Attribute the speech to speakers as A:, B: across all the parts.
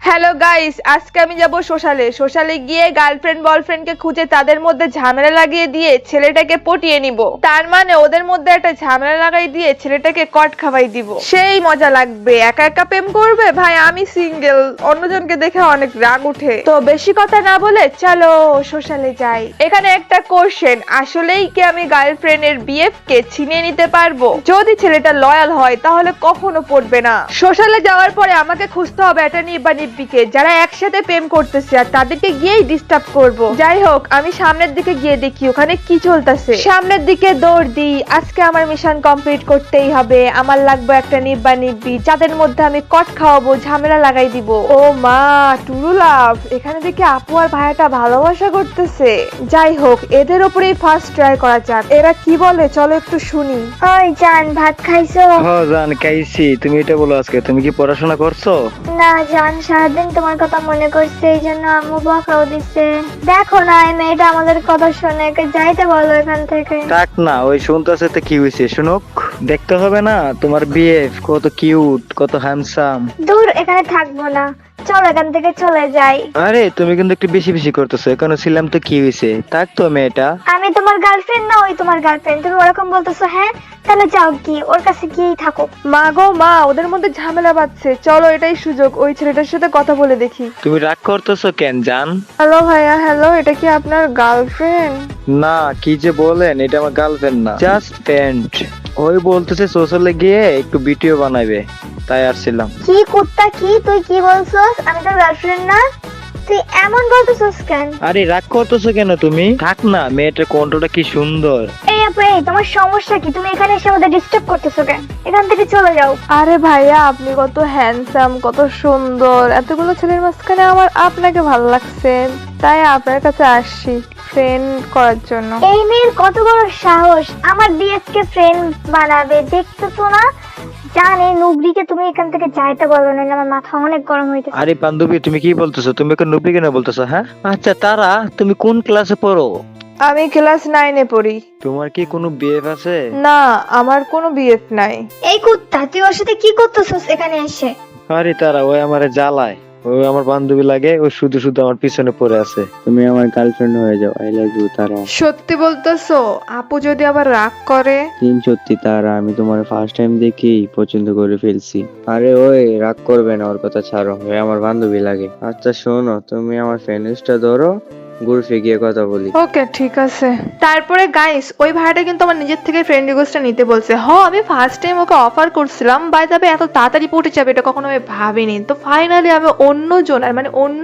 A: Hello guys, আজকে আমি যাব সোশ্যালে গিয়ে গার্লফ্রেন্ড বয়ফ্রেন্ডকে খুঁজে তাদের মধ্যে ঝামেলা লাগিয়ে দিয়ে ছেলেটাকে পটিয়ে নিব। তার মানে ওদের মধ্যে একটা ঝামেলা লাগাই দিয়ে ছেলেটাকে কট খাওয়াই দিব। সেই মজা লাগবে। একা একা প্রেম করবে ভাই, আমি সিঙ্গেল, অন্যজনকে দেখে অনেক রাগ উঠে। তো বেশি কথা না বলে চলো সোশ্যালে যাই। এখানে একটা কোশ্চেন, আসলেই কি আমি গার্লফ্রেন্ডের বিএফ কে ছিনিয়ে নিতে পারবো? যদি ছেলেটা লয়াল হয় তাহলে কখনো পড়বে না। সোশ্যালে যাওয়ার পরে আমাকে খুঁজতে হবে একটা নিব্বানিব্বিকে যারা একসাথে প্রেম করতেছে, আর তাদেরকে গিয়েই ডিস্টার্ব করব। যাই হোক, আমি সামনের দিকে গিয়ে দেখি ওখানে কি চলতেছে। সামনের দিকে দৌড় দিই। আজকে আমার মিশন কমপ্লিট করতেই হবে। আমার লাগবে একটা নিব্বানিব্বি যাদের মধ্যে আমি কট খাওয়াবো, ঝামেলা লাগাই দিব। ও মা, টুরু লাভ, এখানে দেখি আপু আর ভাইয়াটা ভালোবাসা করতেছে। যাই হোক, এদের উপরেই ফার্স্ট ট্রাই করা যাক। এরা কি বলে চলো একটু শুনি।
B: ওই জান, ভাত খাইছো?
C: হ্যাঁ জান, খাইছি। তুমি এটা বলো, আজকে তুমি কি পড়াশোনা করছো?
B: না জান, সারাদিন তোমার কথা মনে করছে, এই জন্য আম্মু বকাও দিচ্ছে। দেখো না, এই মেয়েটা আমাদের কথা শুনে, একে যাইতে বলো এখান থেকে।
C: থাক না, ওই শুনতেছে তো কি হয়েছে শুনুক। দেখতে হবে না তোমার বিএফ কত কিউট, কত হ্যান্ডসাম।
B: দূর, এখানে থাকবো না, চলো এখান থেকে চলে যাই।
C: আরে তুমি কিন্তু একটু বেশি বেশি করতেছো। এখানে ছিলাম তো কি হয়েছে, থাক তো মেয়েটা।
B: আমি তোমার গার্লফ্রেন্ড না, ওই তোমার গার্লফ্রেন্ড? তুমি ওরকম বলতেছো? হ্যাঁ, তাহলে যাও, কি ওর কাছে গিয়েই থাকো।
A: মা গো মা, ওদের মধ্যে ঝামেলা বাঁধছে, চলো এটাই সুযোগ, ওই ছেলেটার সাথে কথা বলে দেখি।
C: তুমি রাগ করতেছো কেন জান?
A: হ্যালো ভাইয়া, হ্যালো, এটা কি আপনার গার্লফ্রেন্ড?
C: না, কি যে বলেন, এটা আমার গার্লফ্রেন্ড না, জাস্ট ফ্রেন্ড। ওই বলতেছে সোশ্যালে গিয়ে একটু ভিডিও বানাবে, তাই আসছিলাম।
B: কি কুত্তা, কি তুই কি বলছস? আমি তোর গার্লফ্রেন্ড না, তুই এমন বলতেছস কেন?
C: আরে রাগ করতেছো কেন তুমি? থাক না, মেয়েটার কণ্ঠটা কি সুন্দর।
B: এই আপু, এই তোমার সমস্যা কি? তুমি এখানে এসে আমাদের ডিস্টার্ব করতেছো কেন? এখান থেকে চলে যাও।
A: আরে ভাইয়া, আপনি কত হ্যান্ডসাম, কত সুন্দর, এতগুলো ছেলের মাঝখানে আমার আপনাকে ভালো লাগছে, তাই আপনার কাছে আসছি ফ্রেন্ড করার জন্য।
B: এই মেয়ের কত বড় সাহস আমার বিএফ কে ফ্রেন্ড বানাবে, দেখছো তো না? জান, এই নুবরিকে তুমি এখান থেকে যাইতে বলো, না আমার মাথা অনেক গরম হইতেছে।
C: আরে বান্ধবী, তুমি কি বলতেছো? তুমি এখন নুবরি কেন বলতেছো? হ্যাঁ, আচ্ছা তারা, তুমি কোন ক্লাসে পড়ো?
A: আমি ক্লাস 9-এ পড়ি।
C: তোমার কি কোনো বিএফ আছে?
A: না, আমার কোনো বিএফ নাই।
B: এই কুত্তা, তুই ওর সাথে কি করতেছস এখানে এসে?
C: আরে তারা, ওই আমারে জ্বালায়। ওই আমার বান্ধবী লাগে, ও শুধু শুধু আমার পিছনে পড়ে আছে। তুমি আমার গার্লফ্রেন্ড হয়ে যাও, আই লাভ ইউ তারা।
A: সত্যি বলতেছো? আপু যদি আবার রাগ করে?
C: সত্যি তারা, আমি তোমার ফার্স্ট টাইম দেখেই পছন্দ করে ফেলছি। আরে ওই রাগ করবে না, ওর কথা ছাড়ো, ওই আমার বান্ধবী লাগে। আচ্ছা শোনো, তুমি আমার ফ্রেন্ডসটা ধরো, গ্রুপে গিয়ে কথা বলি।
A: ওকে, ঠিক আছে। তারপরে গাইস, ওই ভাইটা কিন্তু আমার নিজের থেকে ফ্রেন্ড রিকোয়েস্টটা নিতে বলছে। আমি ফার্স্ট টাইম ওকে অফার করছিলাম, বাই দ্য ওয়ে এত তাড়াতাড়ি পটে যাবে এটা কখনো আমি ভাবিনি। তো ফাইনালি আমি অন্য জনের, মানে অন্য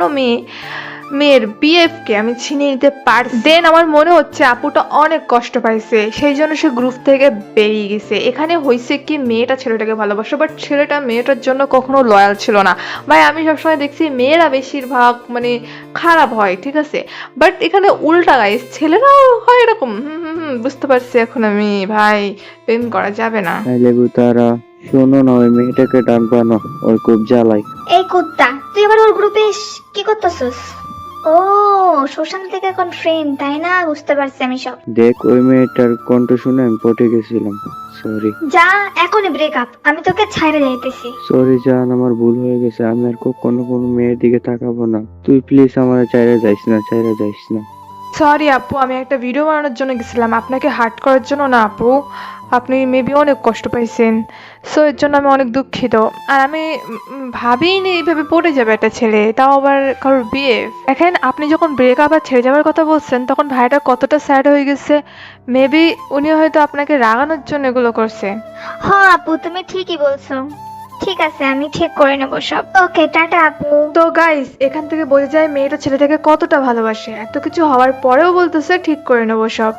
A: মেয়ের বিএফ কে আমি ছিনিয়ে নিতে পারছি। দেন আমার মনে হচ্ছে আপুটা অনেক কষ্ট পাইছে, সেই জন্য সে গ্রুপ থেকে বেরিয়ে গেছে। এখানে হয়েছে কি, মেয়েটা ছেলেটাকে ভালোবাসে, বাট ছেলেটা মেয়েটার জন্য কখনো লয়াল ছিল না। ভাই আমি সবসময় দেখছি মেয়েরা বেশিরভাগ মানে খারাপ হয়, ঠিক আছে, বাট এখানে উল্টা গাইস, ছেলেরাও হয় এরকম। বুঝতে পারছি এখন আমি। ভাই, প্রেম করা যাবে না।
C: আই লাভ ইউ তারা। শোনো না, ওই মেয়েটাকে ডাকবা না, ওর খুব জ্বালাই।
B: এই কুত্তা, তুই আবার ওর গ্রুপে কি করতেছস? ও, সোশ্যাল থেকে এখন ফ্রেন্ড, তাই না? বুঝতে পারছি আমি সব।
C: দেখ, ওই মেয়েটার কণ্ঠ শুনে আমি পটে গেছিলাম। সরি
B: যা, এখনই ব্রেকআপ, আমি তোকে ছাইড়ে যাইতেছি।
C: সরি জান, আমার ভুল হয়ে গেছে। আমি আর কখনো কোনো মেয়ের দিকে তাকাবো না। তুই প্লিজ আমার চাইরে যাইস না, চাইরে যাইস না।
A: সরি আপু, আমি একটা ভিডিও বানানোর জন্য গেছিলাম, আপনাকে হার্ট করার জন্য না আপু। আপনি মেবি অনেক কষ্ট পাইছেন, সো এর জন্য আমি অনেক দুঃখিত। আর আমি ভাবিনি এইভাবে পড়ে যাবে একটা ছেলে, তাও আবার কারোর বিয়ে। এখন আপনি যখন ব্রেকআপ আর ছেড়ে যাওয়ার কথা বলছেন, তখন ভাইটা কতটা স্যাড হয়ে গেছে। মেবি উনি হয়তো আপনাকে রাগানোর জন্য এগুলো করছে।
B: হ্যাঁ আপু, তুমি ঠিকই বলছো। ঠিক আছে, আমি ঠিক করে নেবো সব। ওকে, টাটা আপু।
A: তো গাইস, এখান থেকে বোঝা যায় মেয়েটা ছেলেটাকে কতটা ভালোবাসে। এত কিছু হওয়ার পরেও বলতেছে ঠিক করে নেবো সব।